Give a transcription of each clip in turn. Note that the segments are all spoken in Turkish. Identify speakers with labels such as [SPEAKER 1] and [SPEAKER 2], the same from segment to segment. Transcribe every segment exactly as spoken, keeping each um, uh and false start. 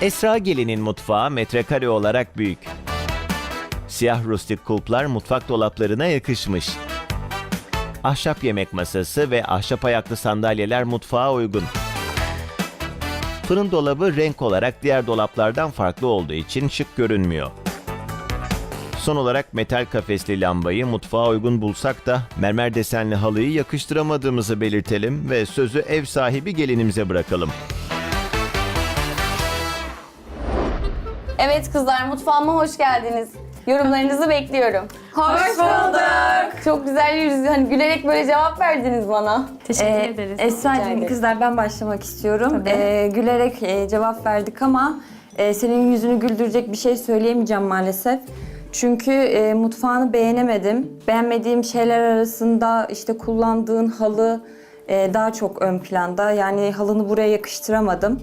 [SPEAKER 1] Esra Gelin'in mutfağı metrekare olarak büyük. Siyah rustik kulplar mutfak dolaplarına yakışmış. Ahşap yemek masası ve ahşap ayaklı sandalyeler mutfağa uygun. Fırın dolabı renk olarak diğer dolaplardan farklı olduğu için şık görünmüyor. Son olarak metal kafesli lambayı mutfağa uygun bulsak da mermer desenli halıyı yakıştıramadığımızı belirtelim ve sözü ev sahibi gelinimize bırakalım.
[SPEAKER 2] Evet kızlar, mutfağıma hoş geldiniz. Yorumlarınızı bekliyorum.
[SPEAKER 3] Hoş bulduk.
[SPEAKER 2] Çok güzel yüz, hani gülerek böyle cevap verdiniz bana.
[SPEAKER 3] Teşekkür
[SPEAKER 4] Ee,
[SPEAKER 3] ederiz.
[SPEAKER 2] Rica
[SPEAKER 4] Esra'cığım
[SPEAKER 2] ederim.
[SPEAKER 4] kızlar ben başlamak istiyorum.
[SPEAKER 3] Tabii.
[SPEAKER 4] Ee, gülerek e, cevap verdik ama e, senin yüzünü güldürecek bir şey söyleyemeyeceğim maalesef. Çünkü e, mutfağını beğenemedim. Beğenmediğim şeyler arasında işte kullandığın halı e, daha çok ön planda. Yani halını buraya yakıştıramadım.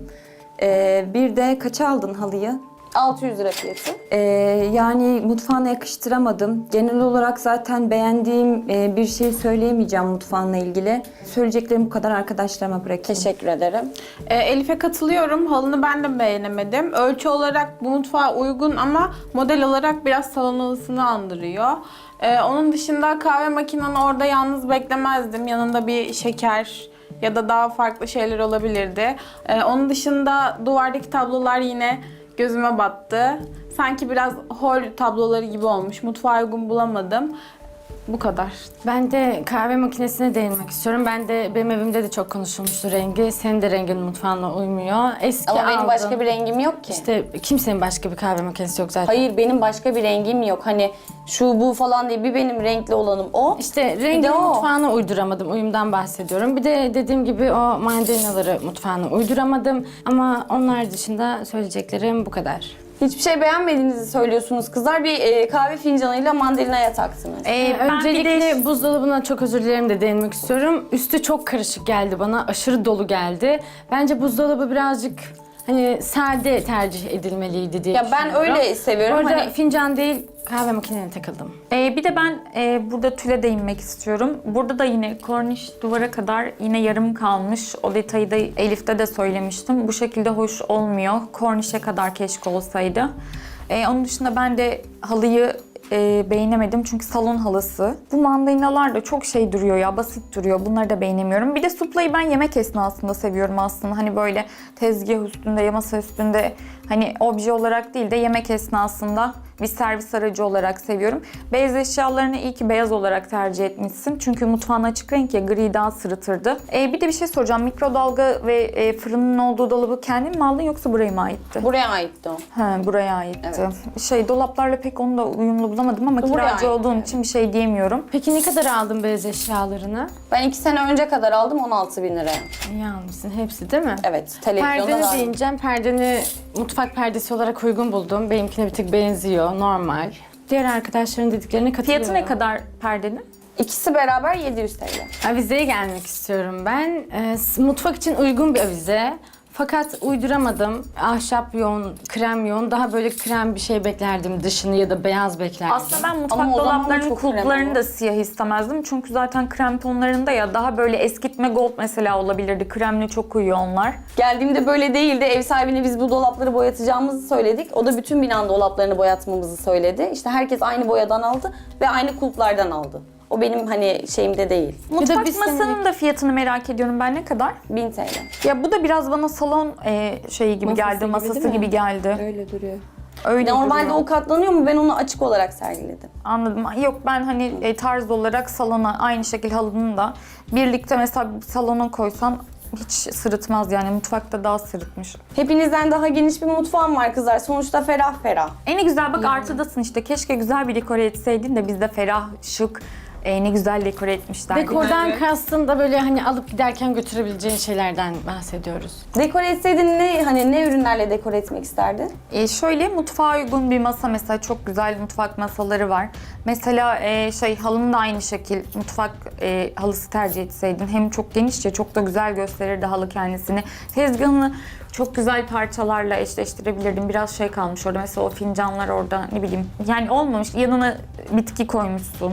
[SPEAKER 4] E, bir de kaça aldın halıyı?
[SPEAKER 2] altı yüz lira fiyatı.
[SPEAKER 4] Ee, yani mutfağına yakıştıramadım. Genel olarak zaten beğendiğim e, bir şey söyleyemeyeceğim mutfağınla ilgili. Söyleyeceklerim bu kadar, arkadaşlarıma bırakayım.
[SPEAKER 2] Teşekkür ederim.
[SPEAKER 3] Ee, Elif'e katılıyorum. Halını ben de beğenemedim. Ölçü olarak bu mutfağa uygun ama model olarak biraz salon halısını andırıyor. Ee, onun dışında kahve makinanı orada yalnız beklemezdim. Yanında bir şeker ya da daha farklı şeyler olabilirdi. Ee, onun dışında duvardaki tablolar yine gözüme battı. Sanki biraz hol tabloları gibi olmuş. Mutfağa uygun bulamadım. Bu kadar.
[SPEAKER 5] Ben de kahve makinesine değinmek istiyorum. Ben de benim evimde de çok konuşulmuştu rengi. Senin de rengin mutfağına uymuyor. Eski
[SPEAKER 2] Ama benim
[SPEAKER 5] aldım.
[SPEAKER 2] başka bir rengim yok ki.
[SPEAKER 5] İşte kimsenin başka bir kahve makinesi yok zaten.
[SPEAKER 2] Hayır, benim başka bir rengim yok. Hani şu bu falan değil, bir benim renkli olanım o.
[SPEAKER 5] İşte
[SPEAKER 2] Bir de
[SPEAKER 5] rengi
[SPEAKER 2] o.
[SPEAKER 5] mutfağına uyduramadım. Uyumdan bahsediyorum. Bir de dediğim gibi o mandalinaları mutfağına uyduramadım. Ama onlar dışında söyleyeceklerim bu kadar.
[SPEAKER 2] Hiçbir şey beğenmediğinizi söylüyorsunuz kızlar. Bir e, kahve fincanıyla mandalinaya taktınız.
[SPEAKER 3] Ee, ben
[SPEAKER 5] Öncelikle
[SPEAKER 3] bir de
[SPEAKER 5] buzdolabına çok özür dilerim de değinmek istiyorum. Üstü çok karışık geldi bana. Aşırı dolu geldi. Bence buzdolabı birazcık hani sade tercih edilmeliydi diye
[SPEAKER 2] Ya ben
[SPEAKER 5] düşünüyorum.
[SPEAKER 2] öyle seviyorum.
[SPEAKER 5] Orada
[SPEAKER 2] Hani
[SPEAKER 5] fincan değil kahve makinene takıldım.
[SPEAKER 6] Ee, bir de ben e, burada tüle değinmek istiyorum. Burada da yine korniş duvara kadar yine yarım kalmış. O detayı da Elif'te de söylemiştim. Bu şekilde hoş olmuyor. Kornişe kadar keşke olsaydı. Ee, onun dışında ben de halıyı e, beğenemedim çünkü salon halısı. Bu mandalinalar da çok şey duruyor ya, basit duruyor. Bunları da beğenemiyorum. Bir de suplayı ben yemek esnasında seviyorum aslında. Hani böyle tezgah üstünde, masa üstünde hani obje olarak değil de yemek esnasında bir servis aracı olarak seviyorum. Beyaz eşyalarını iyi ki beyaz olarak tercih etmişsin. Çünkü mutfağın açık renk ya, gri daha sırıtırdı. Ee, bir de bir şey soracağım. Mikrodalga ve e, fırının olduğu dolabı kendin mi aldın yoksa buraya mı aitti?
[SPEAKER 2] buraya aitti o.
[SPEAKER 6] He, buraya aitti.
[SPEAKER 2] Evet.
[SPEAKER 6] Şey, dolaplarla pek onu da uyumlu bulamadım ama
[SPEAKER 2] Buraya
[SPEAKER 6] kiracı
[SPEAKER 2] ait,
[SPEAKER 6] olduğum
[SPEAKER 2] evet.
[SPEAKER 6] için bir şey diyemiyorum.
[SPEAKER 5] Peki ne kadar aldın beyaz eşyalarını?
[SPEAKER 2] Ben iki sene önce kadar aldım, on altı bin liraya.
[SPEAKER 5] İyi almışsın hepsi değil mi?
[SPEAKER 2] Evet, televizyonda
[SPEAKER 5] Perdeni
[SPEAKER 2] var.
[SPEAKER 5] deyineceğim. Perdeni mutfak perdesi olarak uygun buldum. Benimkine bir tık benziyor. Normal. Diğer arkadaşların dediklerine katılıyorum.
[SPEAKER 6] Fiyatı ne kadar perdenin?
[SPEAKER 2] İkisi beraber yedi yüz T L.
[SPEAKER 5] Avizeye gelmek istiyorum ben. Ee, s- mutfak için uygun bir avize. Fakat uyduramadım. Ahşap yoğun, krem yoğun. Daha böyle krem bir şey beklerdim dışını ya da beyaz beklerdim.
[SPEAKER 6] Aslında ben mutfak
[SPEAKER 2] Ama o zaman da
[SPEAKER 6] dolaplarının
[SPEAKER 2] çok krem
[SPEAKER 6] kulplarını
[SPEAKER 2] olur.
[SPEAKER 6] da siyah istemezdim. Çünkü zaten krem tonlarında ya, daha böyle eskitme gold mesela olabilirdi. Kremle çok uyuyor onlar.
[SPEAKER 2] Geldiğimde böyle değildi. Ev sahibine biz bu dolapları boyatacağımızı söyledik. O da bütün binanın dolaplarını boyatmamızı söyledi. İşte herkes aynı boyadan aldı ve aynı kulplardan aldı. O benim hani şeyimde değil.
[SPEAKER 6] Mutfak
[SPEAKER 5] bir
[SPEAKER 6] masanın
[SPEAKER 5] senelik-
[SPEAKER 6] da fiyatını merak ediyorum ben, ne kadar?
[SPEAKER 2] bin T L.
[SPEAKER 6] Ya bu da biraz bana salon e, şeyi gibi
[SPEAKER 4] Masası
[SPEAKER 6] geldi,
[SPEAKER 4] gibi
[SPEAKER 6] masası
[SPEAKER 4] değil mi?
[SPEAKER 6] gibi geldi.
[SPEAKER 4] Öyle duruyor.
[SPEAKER 6] Öyle
[SPEAKER 2] Normalde
[SPEAKER 6] duruyor.
[SPEAKER 2] o katlanıyor mu? Ben onu açık olarak sergiledim.
[SPEAKER 6] Anladım. Yok, ben hani e, tarz olarak salona aynı şekilde halının da birlikte mesela bir salona koysan hiç sırıtmaz yani, mutfakta daha sırıtmış.
[SPEAKER 2] Hepinizden daha geniş bir mutfağım var kızlar. Sonuçta ferah ferah.
[SPEAKER 6] E ne güzel bak, artıdasın işte. Keşke güzel bir dekore etseydin de biz de ferah, şık, e, ne güzel dekore etmişler.
[SPEAKER 5] Dekordan kastın da böyle hani alıp giderken götürebileceğin şeylerden bahsediyoruz.
[SPEAKER 2] Dekore etseydin ne hani ne ürünlerle dekore etmek isterdin?
[SPEAKER 6] E, şöyle mutfağa uygun bir masa, mesela çok güzel mutfak masaları var. Mesela e, şey halını da aynı şekil mutfak e, halısı tercih etseydin. Hem çok genişçe, çok da güzel gösterirdi halı kendisini. Tezgahını çok güzel parçalarla eşleştirebilirdim. Biraz şey kalmış orada, mesela o fincanlar orada, ne bileyim. Yani olmamış, yanına bitki koymuşsun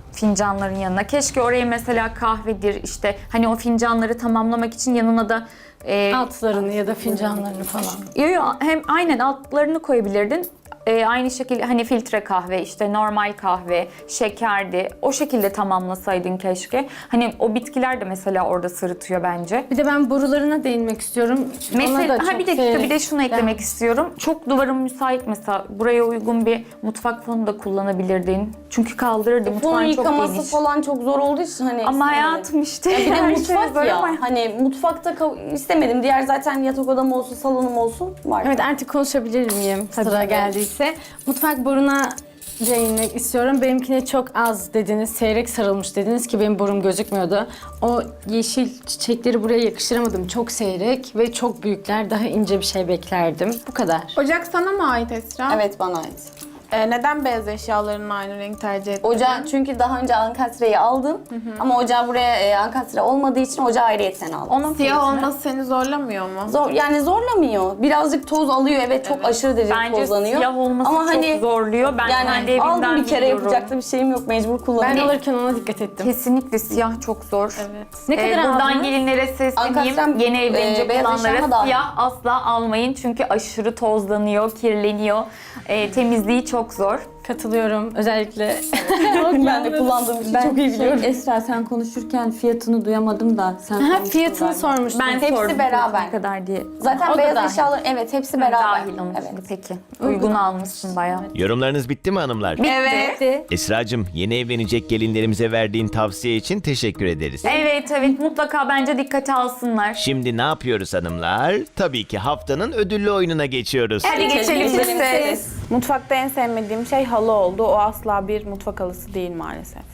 [SPEAKER 6] fincanların yanına. Keşke oraya mesela kahvedir işte, hani o fincanları tamamlamak için yanına da e,
[SPEAKER 5] Altlarını ya da fincanlarını falan.
[SPEAKER 6] Yo, yo, hem aynen altlarını koyabilirdin. Ee, aynı şekilde hani filtre kahve, işte normal kahve, şekerdi. O şekilde tamamlasaydın keşke. Hani o bitkiler de mesela orada sırıtıyor bence.
[SPEAKER 5] Bir de ben borularına değinmek istiyorum. Ona da
[SPEAKER 6] Mesela ha
[SPEAKER 5] çok
[SPEAKER 6] bir dakika
[SPEAKER 5] seyrek-
[SPEAKER 6] bir de şunu eklemek
[SPEAKER 5] Yani
[SPEAKER 6] istiyorum. Çok duvarın müsait mesela. Buraya uygun bir mutfak fonu da kullanabilirdin. Çünkü kaldırırdı.
[SPEAKER 2] Fonu
[SPEAKER 6] Mutfağın çok
[SPEAKER 2] yıkaması
[SPEAKER 6] geniş.
[SPEAKER 2] falan çok zor olduğu için hani
[SPEAKER 6] Ama
[SPEAKER 2] istemedim.
[SPEAKER 6] hayatım işte.
[SPEAKER 2] Ya bir de
[SPEAKER 6] her şey
[SPEAKER 2] mutfak
[SPEAKER 6] zor
[SPEAKER 2] ya.
[SPEAKER 6] ama-
[SPEAKER 2] Hani mutfakta kav- istemedim. Diğer zaten yatak odam olsun, salonum olsun var.
[SPEAKER 5] Evet, artık konuşabilir miyim sıra
[SPEAKER 2] Tabii.
[SPEAKER 5] geldiyse? Mutfak boruna değinmek istiyorum. Benimkine çok az dediniz, seyrek sarılmış dediniz ki benim borum gözükmüyordu. O yeşil çiçekleri buraya yakıştıramadım. Çok seyrek ve çok büyükler. Daha ince bir şey beklerdim. Bu kadar.
[SPEAKER 3] Ocak sana mı ait Esra?
[SPEAKER 2] Evet, bana ait.
[SPEAKER 3] Ee, neden beyaz eşyaların aynı renk tercih ettin?
[SPEAKER 2] Ocağı çünkü daha önce ankastreyi aldım. Ama ocağı buraya e, ankastre olmadığı için ocağı ayrıyetten aldım.
[SPEAKER 6] Onun
[SPEAKER 3] Siyah
[SPEAKER 6] fiyatını-
[SPEAKER 3] olması seni zorlamıyor mu?
[SPEAKER 2] Zor, yani zorlamıyor. Birazcık toz alıyor, evet, çok aşırı derece
[SPEAKER 6] Bence
[SPEAKER 2] tozlanıyor.
[SPEAKER 6] siyah olması
[SPEAKER 2] Ama
[SPEAKER 6] çok
[SPEAKER 2] hani
[SPEAKER 6] zorluyor. Ben kendi
[SPEAKER 2] yani
[SPEAKER 6] evimden
[SPEAKER 2] aldım bir kere
[SPEAKER 6] biliyorum.
[SPEAKER 2] yapacak da bir şeyim yok, mecbur
[SPEAKER 5] Ben
[SPEAKER 2] kullanıyorum.
[SPEAKER 5] alırken ona dikkat ettim.
[SPEAKER 6] Kesinlikle siyah çok zor.
[SPEAKER 3] Evet.
[SPEAKER 5] Ne
[SPEAKER 6] Ee,
[SPEAKER 5] kadar
[SPEAKER 6] buradan
[SPEAKER 5] aldınız?
[SPEAKER 6] gelinlere sesleneyim.
[SPEAKER 2] Ankastrem,
[SPEAKER 6] Yeni
[SPEAKER 2] e,
[SPEAKER 6] evlenecek
[SPEAKER 2] beyaz eşyama
[SPEAKER 6] olanlara
[SPEAKER 2] dahil.
[SPEAKER 6] siyah asla almayın. Çünkü aşırı tozlanıyor, kirleniyor. Ee, temizliği çok zor.
[SPEAKER 5] Katılıyorum. Özellikle
[SPEAKER 2] Ben de kullandığım için
[SPEAKER 4] Ben
[SPEAKER 2] çok iyi
[SPEAKER 4] şey,
[SPEAKER 2] biliyorum.
[SPEAKER 4] Esra sen konuşurken fiyatını duyamadım da sen
[SPEAKER 5] ha,
[SPEAKER 4] konuştun
[SPEAKER 5] fiyatını
[SPEAKER 4] galiba.
[SPEAKER 5] sormuştum.
[SPEAKER 6] Ben
[SPEAKER 2] Hepsi
[SPEAKER 6] sordum
[SPEAKER 2] beraber.
[SPEAKER 6] ne kadar diye.
[SPEAKER 2] Zaten
[SPEAKER 5] O da
[SPEAKER 2] beyaz
[SPEAKER 5] dahil.
[SPEAKER 2] eşyalar, evet, hepsi beraber.
[SPEAKER 6] Dahil onun
[SPEAKER 2] Evet.
[SPEAKER 6] şimdi peki. Uygun almışsın bayağı.
[SPEAKER 1] Yorumlarınız bitti mi hanımlar?
[SPEAKER 6] Evet.
[SPEAKER 1] Esracığım, yeni evlenecek gelinlerimize verdiğin tavsiye için teşekkür ederiz.
[SPEAKER 6] Evet evet mutlaka bence dikkate alsınlar.
[SPEAKER 1] Şimdi ne yapıyoruz hanımlar? Tabii ki haftanın ödüllü oyununa geçiyoruz.
[SPEAKER 6] Hadi geçelim
[SPEAKER 2] Geçelim
[SPEAKER 6] siz.
[SPEAKER 2] siz.
[SPEAKER 3] Mutfakta en sevmediğim şey halı oldu. O asla bir mutfak halısı değil maalesef.